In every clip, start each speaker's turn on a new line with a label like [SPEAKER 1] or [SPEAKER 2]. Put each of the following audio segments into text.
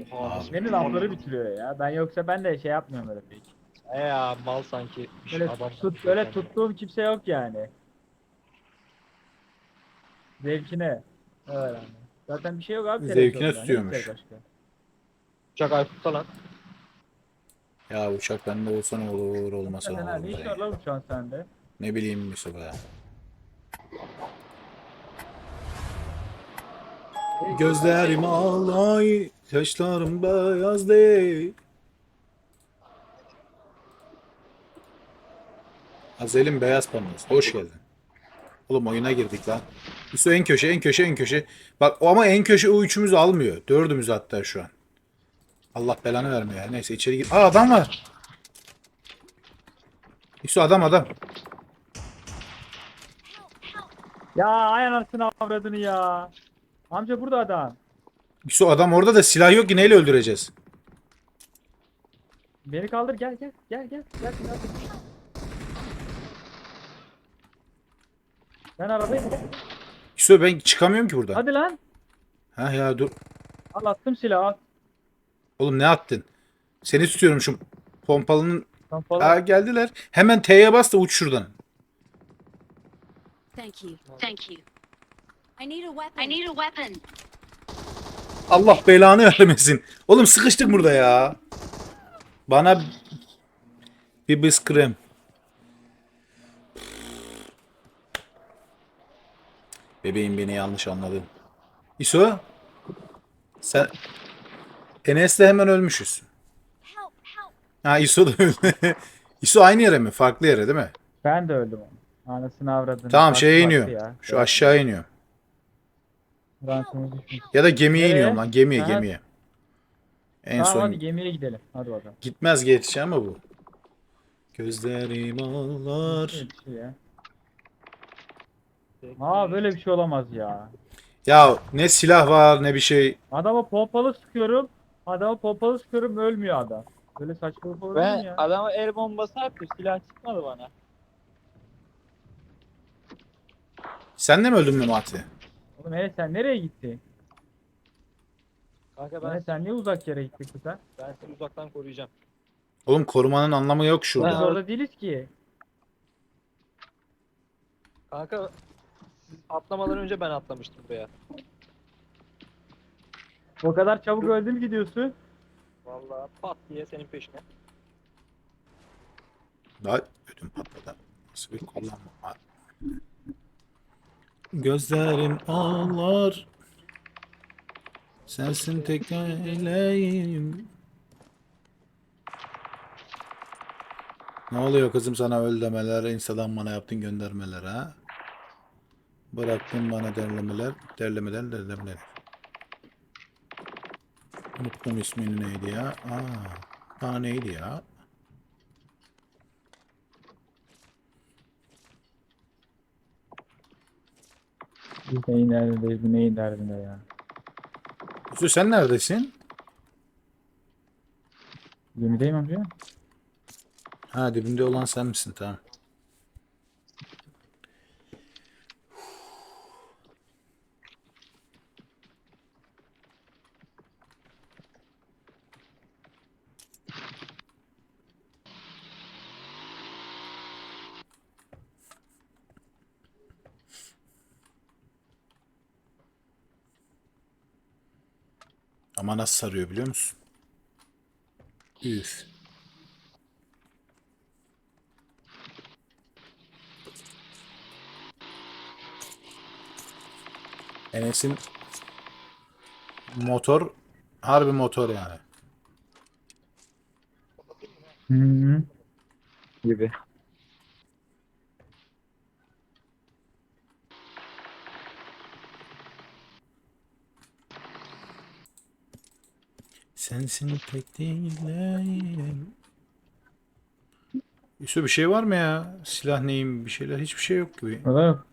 [SPEAKER 1] Oha
[SPEAKER 2] Abi.
[SPEAKER 1] nasıl
[SPEAKER 3] Beni lafları bitiriyor ya. Ben de şey yapmıyorum öyle pek.
[SPEAKER 1] ya mal sanki
[SPEAKER 3] Böyle
[SPEAKER 1] adam sanıyor
[SPEAKER 3] böyle
[SPEAKER 1] kendini.
[SPEAKER 3] tuttuğum kimse yok yani. Zevkine. Öyle yani. Zaten bir şey yok abi
[SPEAKER 2] Zevkine
[SPEAKER 3] televizyonda. Ne gideceğiz
[SPEAKER 2] tutuyormuş.
[SPEAKER 3] başka?
[SPEAKER 1] Uçak Aykut'ta lan.
[SPEAKER 2] Ya uçak bende olsa ne olur, olmasa ne
[SPEAKER 3] Hakikaten ha
[SPEAKER 2] olur
[SPEAKER 3] ne iş
[SPEAKER 2] Kuzey.
[SPEAKER 3] var lan uçağın sende?
[SPEAKER 2] Ne bileyim Mustafa ya. Gözlerim ağlay, saçlarım beyaz değil. Azel'in beyaz panosu. Hoş geldin. Oğlum oyuna girdik lan. Üstü en köşe, en köşe, en köşe. Bak ama en köşe o üçümüzü almıyor. Dördümüz hatta şu an. Allah belanı vermiyor ya. Neyse içeri gir. Aa adam var. Üstü adam.
[SPEAKER 3] Ya ay anasını avradını ya. Amca burada adam.
[SPEAKER 2] Üstü adam orada da silah yok ki neyle öldüreceğiz?
[SPEAKER 3] Beni kaldır gel. Gel hadi. Ben arabayı.
[SPEAKER 2] Üstü ben çıkamıyorum ki buradan.
[SPEAKER 3] Hadi lan.
[SPEAKER 2] Ha ya dur.
[SPEAKER 3] Al attım silahı. Al.
[SPEAKER 2] Oğlum ne attın? Seni tutuyorum şu pompalının.
[SPEAKER 3] Kampalı.
[SPEAKER 2] Aa geldiler. Hemen T'ye bas da uç şuradan.
[SPEAKER 4] Thank you. Thank you. I need a weapon. I need a weapon.
[SPEAKER 2] Allah belanı vermesin. Oğlum sıkıştık burada ya. Bana bir bıskırım. Bebeğim beni yanlış anladın. İso sen Enes'le hemen ölmüşüz.
[SPEAKER 4] Help, help.
[SPEAKER 2] Ha İso da öldü. İso aynı yere mi? Farklı yere değil mi?
[SPEAKER 3] Ben de öldüm onu. Anasını avradını.
[SPEAKER 2] Tamam
[SPEAKER 3] Farklı
[SPEAKER 2] şeye
[SPEAKER 3] farklı
[SPEAKER 2] iniyor.
[SPEAKER 3] ya.
[SPEAKER 2] Şu aşağı iniyor.
[SPEAKER 3] Ransımız düşmüş.
[SPEAKER 2] Ya da gemiye
[SPEAKER 3] Nereye?
[SPEAKER 2] iniyorum lan. Gemiye
[SPEAKER 3] Aha.
[SPEAKER 2] gemiye. En
[SPEAKER 3] Tamam hadi
[SPEAKER 2] son
[SPEAKER 3] gemiye gidelim. Hadi bakalım.
[SPEAKER 2] gitmez geçeceği ama bu. Gözlerim ağlar.
[SPEAKER 3] Böyle bir şey ya. Aa böyle bir şey olamaz ya.
[SPEAKER 2] Ya ne silah var ne bir şey.
[SPEAKER 3] Adama pompalı sıkıyorum. Ölmüyor adam. Böyle saçmalık olur mu
[SPEAKER 5] Ben
[SPEAKER 3] ya?
[SPEAKER 5] adama el bombası attım. Silah çıkmadı bana.
[SPEAKER 2] Sen de mi öldün Memati?
[SPEAKER 3] Oğlum sen nereye gittin?
[SPEAKER 5] Kanka
[SPEAKER 3] Sen niye uzak yere gittin kıza?
[SPEAKER 5] ben seni uzaktan koruyacağım.
[SPEAKER 2] Oğlum korumanın anlamı yok
[SPEAKER 3] Biz
[SPEAKER 2] şurada.
[SPEAKER 3] orada değiliz ki.
[SPEAKER 5] Kanka siz atlamadan önce ben atlamıştım buraya.
[SPEAKER 3] O kadar çabuk öldüm gidiyorsun.
[SPEAKER 5] Vallahi pat diye senin peşine.
[SPEAKER 2] Daha ödüm patladı. Nasıl bir kullanma? Gözlerim ağlar. Sensin tek eleğim. Ne oluyor kızım sana öl demeler, Insta'dan bana yaptın göndermeler ha? Bıraktın bana derlemeler. Unuttum ismini neydi ya? Neydi ya?
[SPEAKER 3] Biz neyin derdindeyiz, bu neyin derdinde ya.
[SPEAKER 2] Yusuf sen neredesin?
[SPEAKER 3] Gemideyim amca.
[SPEAKER 2] Ha dibimde olan sen misin? Tamam. Ama nasıl sarıyor biliyor musun? Üf. Enes'in motor harbi motor yani.
[SPEAKER 3] Hı. Gibi.
[SPEAKER 2] Sensin tek dileğim. Yusuf bir şey var mı ya? Silah neyim bir şeyler hiçbir şey yok gibi.
[SPEAKER 3] O da yok.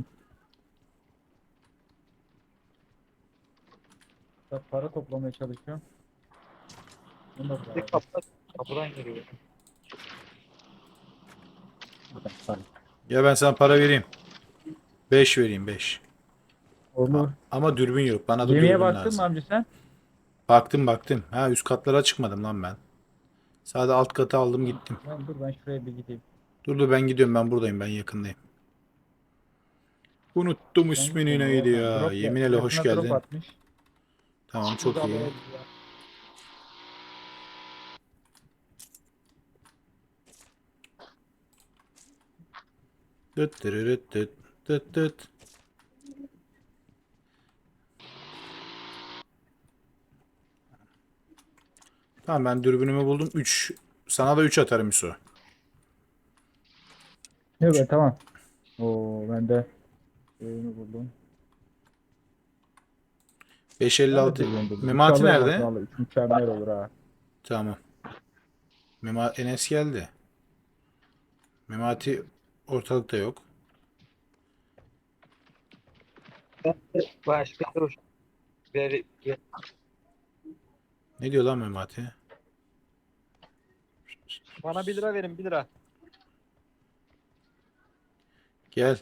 [SPEAKER 3] Para toplamaya çalışıyorum. Bunu da
[SPEAKER 5] Bir kapıdan giriyor.
[SPEAKER 2] Ya ben sana para vereyim. 5 vereyim 5.
[SPEAKER 3] Olur.
[SPEAKER 2] Ama dürbün yok. Bana da
[SPEAKER 3] Gemiye
[SPEAKER 2] dürbün
[SPEAKER 3] baktın mı
[SPEAKER 2] lazım.
[SPEAKER 3] amca sen?
[SPEAKER 2] Baktım. Ha, üst katlara çıkmadım lan ben. Sadece alt katı aldım gittim.
[SPEAKER 3] Lan dur ben şuraya bir gideyim.
[SPEAKER 2] Dur ben gidiyorum, ben buradayım, ben yakındayım. Unuttum
[SPEAKER 3] Sen
[SPEAKER 2] ismini
[SPEAKER 3] gitme
[SPEAKER 2] neydi
[SPEAKER 3] oradan.
[SPEAKER 2] ya.
[SPEAKER 3] Drop
[SPEAKER 2] Yemin ile hoş
[SPEAKER 3] yakına drop
[SPEAKER 2] geldin.
[SPEAKER 3] atmış.
[SPEAKER 2] Tamam, çok iyi.
[SPEAKER 5] Ya.
[SPEAKER 2] Dıt dırırıt dıt dıt dıt. Tamam, ben dürbünümü buldum. 3. Sana da 3 atarım Yusuf.
[SPEAKER 3] Evet tamam. Oo ben de oyunu buldum.
[SPEAKER 2] 556.
[SPEAKER 3] Ben de buldum.
[SPEAKER 2] Memati
[SPEAKER 3] İnşallah bak
[SPEAKER 2] nerede?
[SPEAKER 3] vallahi 3 mükemmel olur ha.
[SPEAKER 2] Tamam. Enes geldi. Memati ortalıkta yok.
[SPEAKER 5] Başka dur. Ver, ver.
[SPEAKER 2] Ne diyor lan Memati?
[SPEAKER 5] Bana 1 lira verin 1 lira.
[SPEAKER 2] Gel.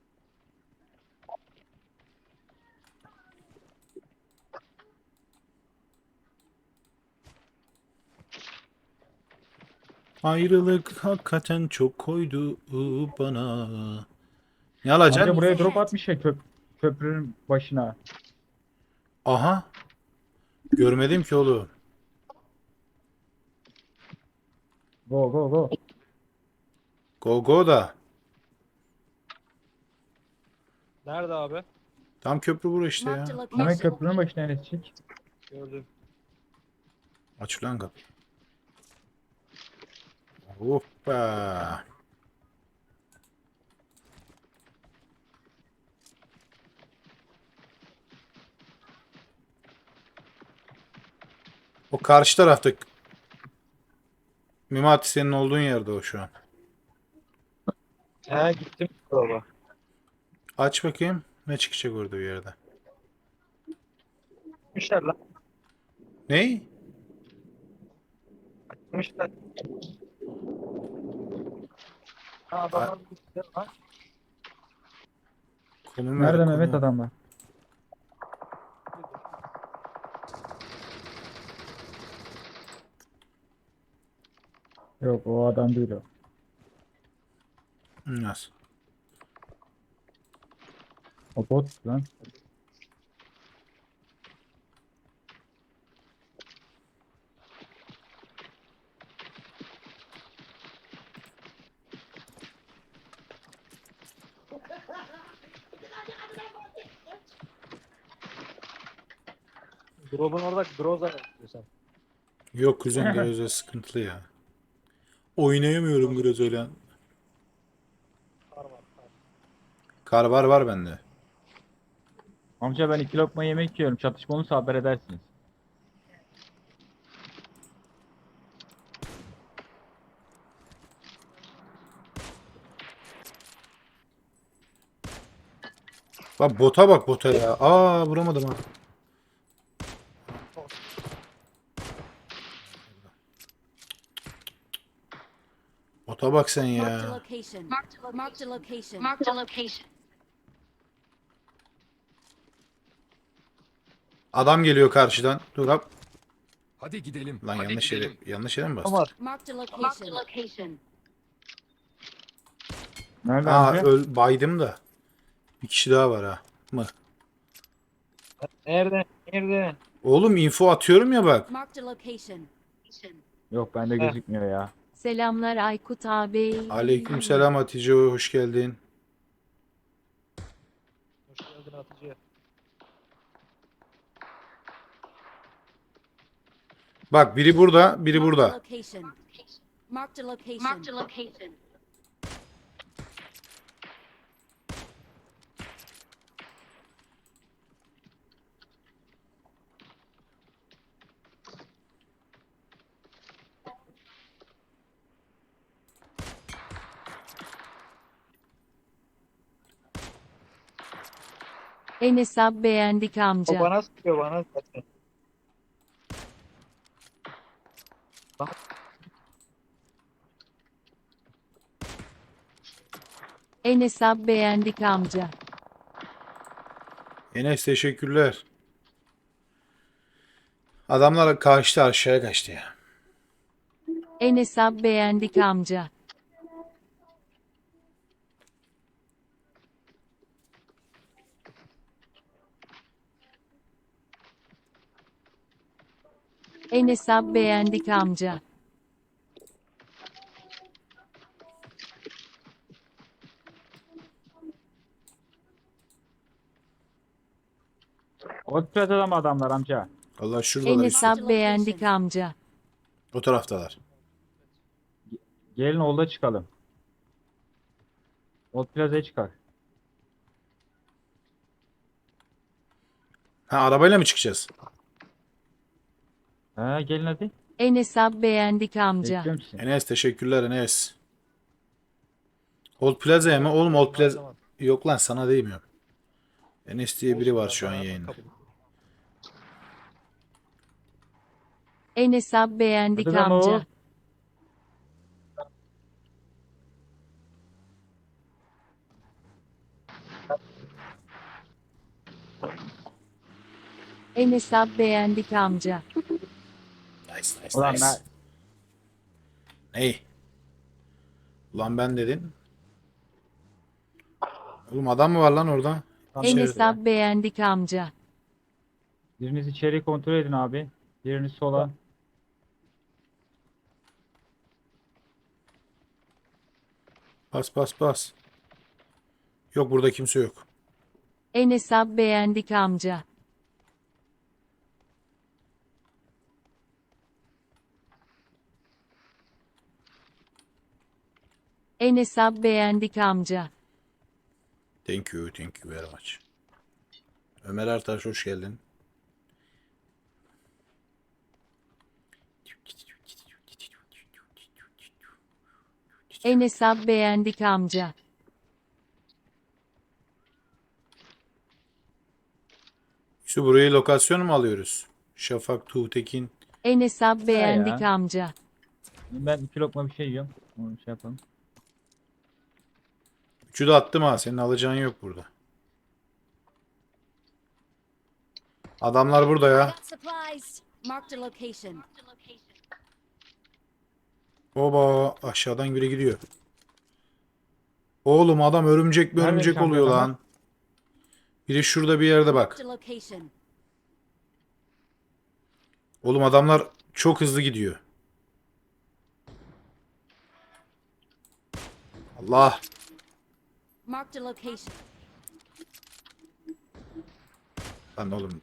[SPEAKER 2] Ayrılık hakikaten çok koydu bana. Ne
[SPEAKER 3] Amca
[SPEAKER 2] alacaksın?
[SPEAKER 3] buraya drop atmış ya köprünün başına.
[SPEAKER 2] Aha. Görmedim ki oğlum.
[SPEAKER 3] Go go go.
[SPEAKER 2] Go go da.
[SPEAKER 5] Nerede abi?
[SPEAKER 2] Tam köprü bura işte
[SPEAKER 4] Marked a
[SPEAKER 2] ya.
[SPEAKER 3] Hemen
[SPEAKER 4] location.
[SPEAKER 3] köprünün başına enesecek.
[SPEAKER 5] Gördüm.
[SPEAKER 2] Aç lan kapı. Hoppa. O karşı tarafta. Mimati, senin olduğun yerde o şu an.
[SPEAKER 5] He gittim. Baba.
[SPEAKER 2] Aç bakayım. Ne çıkacak orada bir yerde.
[SPEAKER 5] Gitmişler lan.
[SPEAKER 2] Ney?
[SPEAKER 5] Gitmişler. Ha adamlar gitti lan.
[SPEAKER 2] Konum ver,
[SPEAKER 3] Nerede Mehmet
[SPEAKER 2] konum.
[SPEAKER 3] adamlar? Yok o adam değil o.
[SPEAKER 2] Nasıl?
[SPEAKER 3] O bot lan.
[SPEAKER 5] Drop'un orada Groza yapıyorsan.
[SPEAKER 2] Yok kuzen, Groza sıkıntılı ya. Oynayamıyorum Groza'yla.
[SPEAKER 5] Kar var.
[SPEAKER 2] Kar var bende.
[SPEAKER 3] Amca ben 2 lokma yemek yiyorum. Çatışma olursa haber edersiniz.
[SPEAKER 2] Bak bota ya. Aa, vuramadım ha. Bota bak sen
[SPEAKER 4] Marked a
[SPEAKER 2] ya.
[SPEAKER 4] location. Marked a location. Marked a location.
[SPEAKER 2] Adam geliyor karşıdan. Dur hop.
[SPEAKER 6] Hadi gidelim.
[SPEAKER 2] Lan
[SPEAKER 6] Hadi
[SPEAKER 2] yanlış
[SPEAKER 6] gidelim.
[SPEAKER 2] yere, yanlış yere mi bastım?
[SPEAKER 5] Var.
[SPEAKER 4] Marked a location. Marked a location.
[SPEAKER 3] Nerede
[SPEAKER 2] Aa,
[SPEAKER 3] amca?
[SPEAKER 2] baydım da. Bir kişi daha var ha. Mı?
[SPEAKER 5] Nerede? Nerede?
[SPEAKER 2] Oğlum info atıyorum ya bak.
[SPEAKER 4] Marked a location.
[SPEAKER 3] Yok bende gözükmüyor ya.
[SPEAKER 7] Selamlar Aykut abi.
[SPEAKER 2] Aleykümselam Hatice, hoş geldin.
[SPEAKER 5] Hoş geldin Hatice.
[SPEAKER 2] Bak biri burada, biri
[SPEAKER 4] Marked a
[SPEAKER 2] burada.
[SPEAKER 4] location. Marked a location. Marked a location.
[SPEAKER 7] Enes abi beğendik
[SPEAKER 5] O
[SPEAKER 7] amca.
[SPEAKER 5] bana sıkıyor bana zaten.
[SPEAKER 7] Enes abi beğendik amca.
[SPEAKER 2] Enes teşekkürler. Adamlar kaçtı, aşağıya kaçtı ya.
[SPEAKER 7] Enes abi beğendik amca. Enes abi beğendik amca.
[SPEAKER 3] Otpet'e mı adamlar amca?
[SPEAKER 2] Allah şuradalar
[SPEAKER 7] Enes
[SPEAKER 2] işte.
[SPEAKER 7] abi beğendik amca.
[SPEAKER 2] O taraftalar.
[SPEAKER 3] Gelin olda çıkalım. Ot Plaza'ya çıkar.
[SPEAKER 2] Ha, arabayla mı çıkacağız?
[SPEAKER 3] He gelin hadi.
[SPEAKER 7] Enes abi beğendik amca.
[SPEAKER 3] Bekliyorum sizi.
[SPEAKER 2] Enes teşekkürler Enes. Old Plaza'ya mı? Oğlum Old Plaza... Yok lan sana değmiyorum. Enes diye biri var şu an yayında.
[SPEAKER 7] Enes abi beğendik
[SPEAKER 3] Hadi lan
[SPEAKER 7] amca.
[SPEAKER 3] oğul.
[SPEAKER 7] Enes abi beğendik amca.
[SPEAKER 2] Nice nice
[SPEAKER 3] Ulan
[SPEAKER 2] nice.
[SPEAKER 3] ben
[SPEAKER 2] Ney? Ulan ben dedin. Oğlum adam mı var lan orada?
[SPEAKER 7] Enes
[SPEAKER 2] İçeride.
[SPEAKER 7] abi beğendik amca.
[SPEAKER 3] biriniz içeri kontrol edin abi. Biriniz sola.
[SPEAKER 2] Bas bas bas. Yok burada kimse yok.
[SPEAKER 7] Enes abi beğendik amca. Enes abi beğendik amca.
[SPEAKER 2] Thank you, thank you very much. Ömer Ertaş hoş geldin.
[SPEAKER 7] Enes abi beğendik amca.
[SPEAKER 2] Şu burayı lokasyon mu alıyoruz? Şafak Tuğtekin.
[SPEAKER 7] Enes abi beğendik
[SPEAKER 3] ya.
[SPEAKER 7] amca.
[SPEAKER 3] Ben 2 lokma bir şey yiyorum. Onu şey yapalım.
[SPEAKER 2] Üçü de attım ha. Senin alacağın yok burada. Adamlar burada
[SPEAKER 4] I
[SPEAKER 2] ya.
[SPEAKER 4] got supplies. Marked a location.
[SPEAKER 2] Oba aşağıdan biri gidiyor. Oğlum adam örümcek mi
[SPEAKER 3] Nerede
[SPEAKER 2] örümcek
[SPEAKER 3] şampiyon
[SPEAKER 2] oluyor
[SPEAKER 3] adam?
[SPEAKER 2] lan. Biri şurada bir yerde bak.
[SPEAKER 4] Marked a location.
[SPEAKER 2] Oğlum adamlar çok hızlı gidiyor. Allah.
[SPEAKER 4] Marked a location.
[SPEAKER 2] Lan oğlum.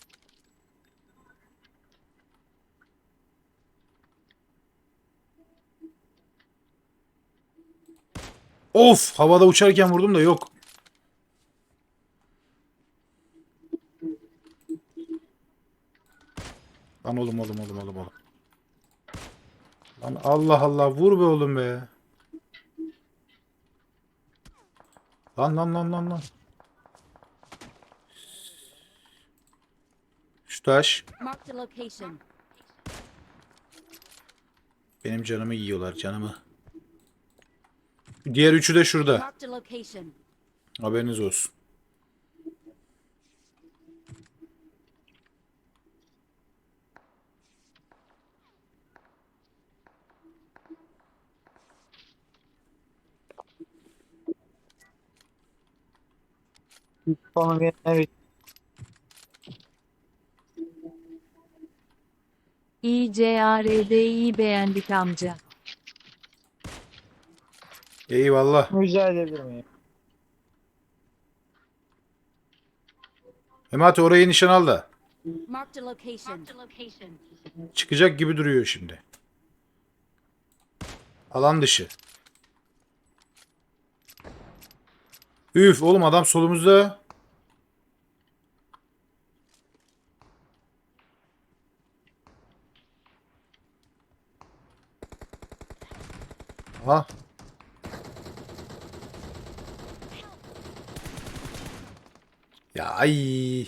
[SPEAKER 2] Of havada uçarken vurdum da yok. Lan oğlum. Lan Allah Allah vur be oğlum be. Lan. Şu taş.
[SPEAKER 4] Marked a location.
[SPEAKER 2] Benim canımı yiyorlar canımı. Diğer üçü de şurada.
[SPEAKER 4] Marked a location.
[SPEAKER 2] Haberiniz olsun.
[SPEAKER 5] Evet.
[SPEAKER 7] İCARD'yi beğendik amca.
[SPEAKER 2] Eyvallah.
[SPEAKER 5] Rica edebilir miyim?
[SPEAKER 2] Memati orayı nişan al da.
[SPEAKER 4] Marked a location.
[SPEAKER 2] Çıkacak gibi duruyor şimdi. Alan dışı. Üf oğlum adam solumuzda. Aha. Ya ay.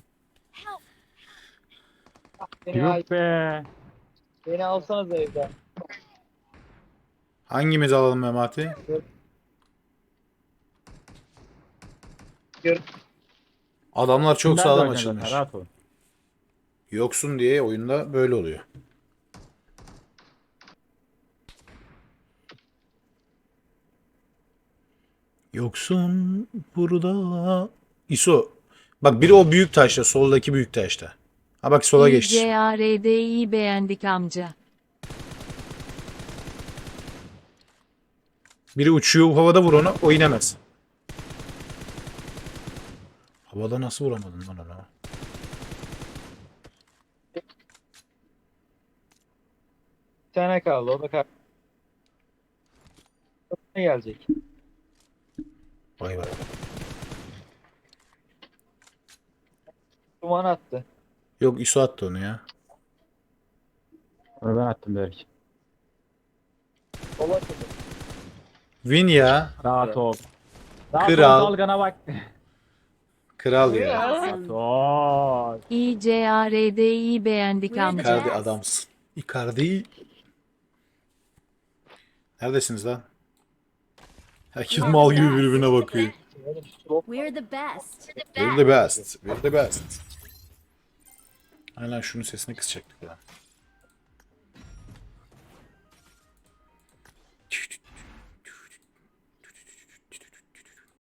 [SPEAKER 3] Yok be.
[SPEAKER 5] Beni alsanız evden.
[SPEAKER 2] Hangimiz alalım Memati? Adamlar çok
[SPEAKER 3] Ben de
[SPEAKER 2] sağlam
[SPEAKER 3] oynayacağım zaten,
[SPEAKER 2] açılmış.
[SPEAKER 3] rahat olun.
[SPEAKER 2] Yoksun diye oyunda böyle oluyor. Yoksun burada. İso. Bak biri o büyük taşta. Soldaki büyük taşta. Ha bak sola geç.
[SPEAKER 7] İCARDİ beğendik amca.
[SPEAKER 2] Biri uçuyor havada vur onu. O inemez. Havada nasıl vuramadın lan ona?
[SPEAKER 5] Bir tane kaldı. O da ne gelecek?
[SPEAKER 2] Vay vay.
[SPEAKER 5] Duman attı.
[SPEAKER 2] Yok İso attı onu ya.
[SPEAKER 3] Onu ben attım belki.
[SPEAKER 5] Sola atıldı.
[SPEAKER 2] Win ya.
[SPEAKER 3] Rahat ol. Rahat
[SPEAKER 2] Kral.
[SPEAKER 3] ol dalgana bak.
[SPEAKER 2] Kral ya.
[SPEAKER 3] Rahat ol.
[SPEAKER 7] İCARDİ beğendik
[SPEAKER 4] We're the
[SPEAKER 7] amca.
[SPEAKER 2] Icardi
[SPEAKER 4] best.
[SPEAKER 2] adamsın. Icardi. Neredesiniz lan? Herkes mal gibi birbirine bakıyor.
[SPEAKER 4] We're the best.
[SPEAKER 2] We're the best. We're the best. Aynen şunun sesini kısacaktık ya.